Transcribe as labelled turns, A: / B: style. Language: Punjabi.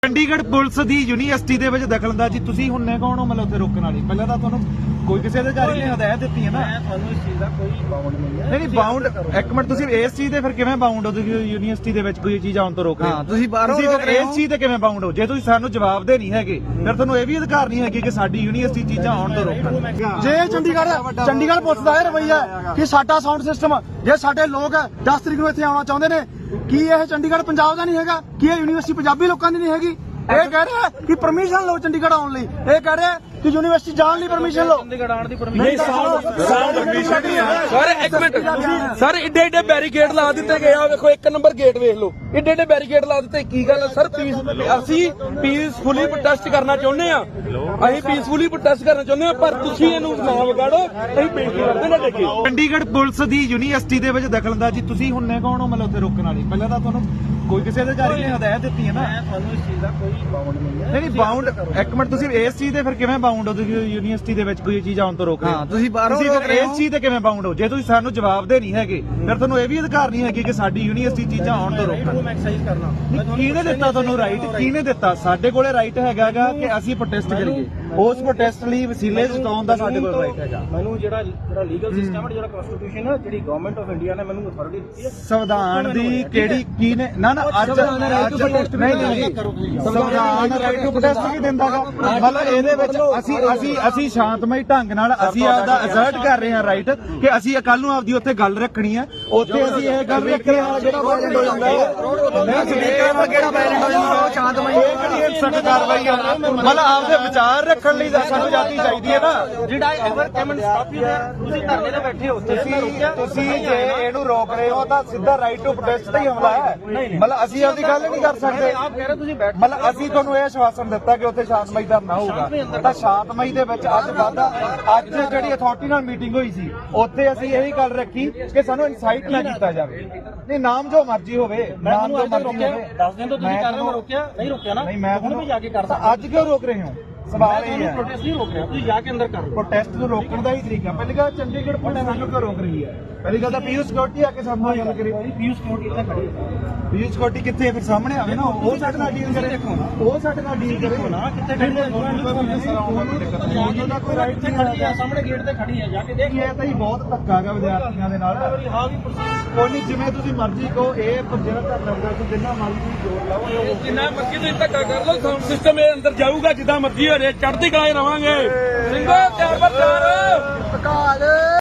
A: ਚੰਡੀਗੜ੍ਹ ਪੁਲਿਸ ਦੀ ਯੂਨੀਵਰਸਿਟੀ ਦੇ ਵਿੱਚ ਦਖਲਅੰਦਾਜ਼ੀ ਤੁਸੀਂ ਹੁੰਨੇ ਕੌਣ ਹੋ ਮਤਲਬ ਉੱਥੇ ਰੋਕਣ ਵਾਲੀ? ਪਹਿਲਾਂ ਤਾਂ ਤੁਹਾਨੂੰ ਕੋਈ ਕਿਸੇ ਅਧਿਕਾਰੀ ਨੇ ਹਦਾਇਤ ਦਿੱਤੀ ਹੈ ਨਾ।
B: ਮੈਂ ਤੁਹਾਨੂੰ ਇਸ ਚੀਜ਼ ਦਾ ਕੋਈ ਬਾਉਂਡ ਨਹੀਂ ਹੈ।
A: ਨਹੀਂ ਬਾਉਂਡ ਇੱਕ ਮਿੰਟ ਤੁਸੀਂ ਇਸ ਚੀਜ਼ ਦੇ ਫਿਰ ਕਿਵੇਂ ਬਾਉਂਡ ਹੋ? ਤੁਸੀਂ ਯੂਨੀਵਰਸਿਟੀ ਦੇ ਵਿੱਚ ਕੋਈ ਚੀਜ਼ ਆਉਣ ਤੋਂ ਰੋਕ ਰਹੇ ਹੋ।
B: ਹਾਂ, ਤੁਸੀਂ ਬਾਹਰੋਂ
A: ਤੁਸੀਂ
B: ਰੋਕ
A: ਫਿਰ
B: ਰਹੇ
A: ਇਸ
B: ਹੋ।
A: ਚੀਜ਼ ਤੇ ਕਿਵੇਂ ਬਾਉਂਡ ਹੋ? ਜੇ ਤੁਸੀਂ ਸਾਨੂੰ ਜਵਾਬ ਦੇ ਨਹੀਂ ਹੈਗੇ ਫਿਰ ਤੁਹਾਨੂੰ ਇਹ ਵੀ ਅਧਿਕਾਰ ਨਹੀਂ ਹੈਗੇ ਕਿ ਸਾਡੀ ਯੂਨੀਵਰਸਿਟੀ ਚੀਜ਼ਾਂ ਆਉਣ ਤੋਂ ਰੋਕਣ।
C: ਜੇ ਚੰਡੀਗੜ੍ਹ ਪੁਲਿਸ ਦਾ ਇਹ ਰਵੱਈਆ ਹੈ ਕਿ ਸਾਡਾ ਸਾਊਂਡ ਸਿਸਟਮ ਜੇ ਸਾਡੇ ਲੋਕ 10 ਤਰੀਕ ਨੂੰ ਇੱਥੇ ਆਉਣਾ ਚਾਹੁੰਦੇ ਨੇ, ਕੀ ਇਹ ਚੰਡੀਗੜ੍ਹ ਪੰਜਾਬ ਦਾ ਨਹੀਂ ਹੈਗਾ? ਕੀ ਇਹ ਯੂਨੀਵਰਸਿਟੀ ਪੰਜਾਬੀ ਲੋਕਾਂ ਦੀ ਨਹੀਂ ਹੈਗੀ? ਇਹ ਕਹਿ ਰਿਹਾ ਕਿ ਪਰਮਿਸ਼ਨ ਲਓ ਚੰਡੀਗੜ੍ਹ ਆਉਣ ਲਈ, ਇਹ ਕਹਿ ਰਿਹਾ ਕਿ ਯੂਨੀਵਰਸਿਟੀ ਜਾਣ ਲਈ ਪਰਮਿਸ਼ਨ ਲਓ।
B: ਚੰਡੀਗੜ੍ਹ ਆਉਣ ਦੀ ਪਰਮਿਸ਼ਨ
C: ਨਹੀਂ
D: ਸਰ ਇੱਕ ਮਿੰਟ ਸਰ ਏਡੇ ਏਡੇ ਬੈਰੀਕੇਡ ਲਾ ਦਿੱਤੇ ਗਏ ਆ। ਵੇਖੋ ਇੱਕ ਨੰਬਰ ਗੇਟ ਵੇਖ ਲਓ, ਏਡੇ ਏਡੇ ਬੈਰੀਕੇਡ ਲਾ ਦਿੱਤੇ। ਕੀ ਗੱਲ ਹੈ ਸਰ? ਅਸੀਂ ਪੀਸਫੁਲੀ ਪ੍ਰੋਟੈਸਟ ਕਰਨਾ ਚਾਹੁੰਦੇ ਆ, ਅਸੀਂ ਪੀਸਫੁਲੀ ਪ੍ਰੋਟੈਸਟ ਕਰਨਾ ਚਾਹੁੰਦੇ ਆ, ਪਰ ਤੁਸੀਂ ਇਹਨੂੰ ਨਾ ਵਿਗਾੜੋ। ਅਸੀਂ ਬੇਨਤੀ ਕਰਦੇ ਨਾ ਦੇਖੇ
A: ਚੰਡੀਗੜ੍ਹ ਪੁਲਿਸ ਦੀ ਯੂਨੀਵਰਸਿਟੀ ਦੇ ਵਿੱਚ ਦਖਲਅੰਦਾਜ਼ੀ ਤੁਸੀਂ ਹੁੰਨੇ ਕੌਣ ਹੋ ਮਤਲਬ ਉੱਥੇ ਰੋਕਣ ਵਾਲੀ? ਪਹਿਲਾਂ ਤਾਂ ਤੁਹਾਨੂੰ ਕੋਈ ਕਿਸੇ ਅਧਿਕਾਰੀ ਨੇ ਹਦਾਇਤ ਦਿੱਤੀ ਹੈ ਨਾ।
B: ਮੈਂ ਤੁਹਾਨੂੰ ਇਸ ਚੀਜ਼ ਦਾ ਕੋਈ ਬਾਉਂਡ ਨਹੀਂ ਹੈ।
A: ਨਹੀਂ ਬਾਉਂਡ ਇੱਕ ਮਿੰਟ ਤੁਸੀਂ ਇਸ ਚੀਜ਼ ਦੇ ਫਿਰ ਕਿਵੇਂ ਬਾਉਂਡ ਹੋ? ਤੁਸੀਂ ਯੂਨੀਵਰਸਿਟੀ ਦੇ ਵਿੱਚ ਕੋਈ ਚੀਜ਼ ਆਉਣ ਤੋਂ ਰੋਕ ਰਹੇ ਹੋ।
B: ਹਾਂ, ਤੁਸੀਂ ਬਾਹਰੋਂ
A: ਤੁਸੀਂ
B: ਰੋਕ
A: ਫਿਰ
B: ਰਹੇ
A: ਇਸ
B: ਹੋ।
A: ਚੀਜ਼ ਤੇ ਕਿਵੇਂ ਬਾਉਂਡ ਹੋ? ਜੇ ਤੁਸੀਂ ਸਾਨੂੰ ਜਵਾਬ ਦੇ ਨਹੀਂ ਹੈਗੇ ਫਿਰ ਤੁਹਾਨੂੰ ਇਹ ਵੀ ਅਧਿਕਾਰ ਨਹੀਂ ਹੈਗੇ ਕਿ ਸਾਡੀ ਯੂਨੀਵਰਸਿਟੀ ਚੀਜ਼ਾਂ ਆਉਣ ਤੋਂ ਰੋਕਣ।
B: ਮੈਂ ਐਕਸਰਸਾਈਜ਼ ਕਰਨਾ।
A: ਕਿਹਨੇ ਦਿੱਤਾ ਤੁਹਾਨੂੰ ਰਾਈਟ? ਕਿਹਨੇ ਦਿੱਤਾ? ਸਾਡੇ ਕੋਲੇ ਰਾਈਟ ਹੈਗਾਗਾ ਕਿ ਅਸੀਂ ਪ੍ਰੋਟੈਸਟ ਕਰੀਏ। ਉਸ ਪ੍ਰੋਟੈਸਟ ਲਈ ਵਸੀਲੇ ਜਤਾਉਣ ਦਾ ਸਾਡੇ ਕੋਲ ਰਾਈਟ ਹੈਗਾ।
B: ਮੈਨੂੰ ਜਿਹੜਾ ਲੀਗਲ ਸਿਸਟਮ ਹੈ, ਜਿਹੜਾ ਕਨਸਟੀਟਿਊਸ਼ਨ ਹੈ, ਜਿਹੜੀ ਗਵਰਨਮੈਂਟ ਆਫ ਇੰਡੀਆ ਨੇ ਮੈਨੂੰ ਅਥਾਰਟੀ ਦਿੱਤੀ ਹੈ।
A: ਸੰਵਿਧਾਨ ਦੀ ਕਿਹੜੀ ਕੀ ਨੇ ਨਾ ਅੱਜ ਨਹੀਂ ਸੰਵਿਧਾਨ ਰਾਈਟ ਟੂ ਪ੍ਰੋਟੈਸਟ ਵੀ ਦਿੰਦਾਗਾ। ਮਤਲਬ ਇਹਦੇ ਵਿੱਚ ਅਸੀਂ ਸ਼ਾਂਤਮਈ ਢੰਗ ਨਾਲ ਅਸੀਂ ਆਪਦਾ ਅਸਰਟ ਕਰ ਰਹੇ ਹਾਂ ਰਾਈਟ ਕਿ ਅਸੀਂ ਕੱਲ ਨੂੰ ਆਪਦੀ ਉੱਥੇ ਗੱਲ ਰੱਖਣੀ ਹੈ। ਉੱਥੇ ਅਸੀਂ ਇਹ ਗੱਲ ਰੱਖੀ ਹੈ ਜਿਹੜਾ ਵਾਇਲੈਂਟ ਹੋ ਜਾਂਦਾ ਹੈ ਸਪੀਕਰ ਨਾਲ ਕਿਹੜਾ ਵਾਇਲੈਂਟ ਹੋ ਜਾਂਦਾ ਉਹ ਸ਼ਾਂਤਮਈ ਇਹ ਕਿਹੜੀ ਸਖਤ ਕਾਰਵਾਈ ਆ? ਮਤਲਬ ਆਪਦੇ ਵਿਚਾਰ ਰੱਖਣ ਲਈ ਸਾਨੂੰ ਆਜ਼ਾਦੀ ਚਾਹੀਦੀ ਹੈ ਨਾ।
B: ਜਿਹੜਾ ever come and stop you ਤੁਸੀਂ ਧਰਨੇ ਤੇ ਬੈਠੇ ਹੋ,
A: ਤੁਸੀਂ ਜੇ ਇਹਨੂੰ ਰੋਕ ਰਹੇ ਹੋ ਤਾਂ ਸਿੱਧਾ ਰਾਈਟ ਟੂ ਪ੍ਰੋਟੈਸਟ ਦਾ ਹੀ ਹਮਲਾ ਹੈ। ਮਤਲਬ ਅਸੀਂ ਆਪਦੀ ਗੱਲ ਨਹੀਂ ਕਰ ਸਕਦੇ।
B: ਆਪ ਕਹਿ ਰਹੇ ਤੁਸੀਂ ਬੈਠ
A: ਮਤਲਬ ਅਸੀਂ ਤੁਹਾਨੂੰ ਇਹ ਆਸ਼ਵਾਸਨ ਦਿੱਤਾ ਕਿ ਉੱਥੇ ਸ਼ਾਂਤਮਈ ਧਰਨਾ ਹੋਊਗਾ ਤਾਂ ਸ਼ਾਂਤਮਈ ਦੇ ਵਿੱਚ ਅੱਜ ਜਿਹੜੀ ਅਥਾਰਟੀ ਨਾਲ ਮੀਟਿੰਗ ਹੋਈ ਸੀ ਉੱਥੇ ਅਸੀਂ ਇਹੀ ਗੱਲ ਰੱਖੀ ਕਿ ਸਾਨੂੰ ਇਨਸਾਈਟ ਨਾ ਕੀਤਾ ਜਾਵੇ। ਨਹੀਂ ਨਾਮ ਜੋ ਮਰਜ਼ੀ ਹੋਵੇ, ਨਾਮ ਜੋ ਮਰਜ਼ੀ ਹੋਵੇ।
B: 10 ਦਿਨ ਤੋਂ ਤੁਸੀਂ ਕਰ ਰਹੇ ਹੋ, ਰੋਕਿਆ ਨਹੀਂ ਰੋਕਿਆ ਨਾ?
A: ਨਹੀਂ ਮੈਂ
B: ਹੁਣ ਵੀ ਜਾ ਕੇ ਕਰ
A: ਤਾਂ ਅੱਜ ਕਿਉਂ ਰੋਕ ਰਹੇ ਹੋ? ਸਵਾਲ ਇਹ ਹੈ
B: ਪ੍ਰੋਟੈਸਟ ਨਹੀਂ ਰੋਕ ਰਿਹਾ, ਤੁਸੀਂ ਜਾ ਕੇ ਅੰਦਰ ਕਰ ਲਓ।
A: ਪ੍ਰੋਟੈਸਟ ਨੂੰ ਰੋਕਣ ਦਾ ਹੀ ਤਰੀਕਾ। ਪਹਿਲੀ ਗੱਲ ਚੰਡੀਗੜ੍ਹ ਪੁਲਿਸ ਸਾਨੂੰ ਕਿਉਂ ਰੋਕ ਰਹੀ ਹੈ? ਪਹਿਲੀ ਗੱਲ ਤਾਂ ਪੀਯੂ ਸਿਕਿਉਰਿਟੀ ਆ ਕੇ ਸਾਹਮਣੇ ਗੱਲ ਕਰੀ।
B: ਪੀਯੂ ਸਿਕਿਉਰਿਟੀ ਇੱਥੇ ਖੜੀ ਹੈ।
A: ਪੀਯੂ ਸਿਕਿਉਰਿਟੀ ਕਿੱਥੇ ਹੈ? ਫਿਰ ਸਾਹਮਣੇ ਆਵੇ ਨਾ, ਉਹ ਸਾਡੇ ਨਾਲ ਡੀਲ ਕਰੇ। ਉਹ ਸਾਡੇ ਨਾਲ ਡੀਲ ਕਰੇ
B: ਨਾ ਕਿੱਥੇ ਖੜੀ ਹੈ?
A: ਉਹਦਾ ਕੋਈ ਰਾਈਟ ਨਹੀਂ
B: ਖੜੀ ਹੈ, ਸਾਹਮਣੇ ਗੇਟ ਤੇ ਖੜੀ ਹੈ, ਜਾ ਕੇ ਦੇਖ।
A: ਇਹ ਤਾਂ ਹੀ ਬਹੁਤ ਧੱਕਾ ਹੈਗਾ ਵਿਦਿਆਰਥੀਆਂ ਦੇ ਨਾਲ।
B: ਹਾਂ ਵੀ ਪ੍ਰੋਸੀਜਰ
A: ਕੋਈ ਨਹੀਂ ਜਿਵੇਂ ਤੁਸੀਂ ਮਰਜ਼ੀ ਕਹੋ। ਇਹ ਜਿਹੜਾ ਧਰਨਾ ਹੁੰਦਾ ਤੁਸੀਂ ਜਿੰਨਾ ਮਰਜ਼ੀ ਜੋਰ ਲਾਓ।
D: ਜਿੰਨਾ ਮਰਜ਼ੀ ਤੁਸੀਂ ਧੱਕਾ ਕਰ ਲਓ, ਸਾਊਂਡ ਸਿਸਟਮ ਇਹ ਅੰਦਰ ਜਾਊਗਾ ਜਿੱਦਾਂ ਮਰਜ਼ੀ ਹੋ ਰਿਹਾ। ਚੜ੍ਹਦੀ ਕਲਾ ਰਵਾਂਗੇ ਸਿੰਘੋ ਤਿਆਰ ਬਰ ਤਿਆਰ।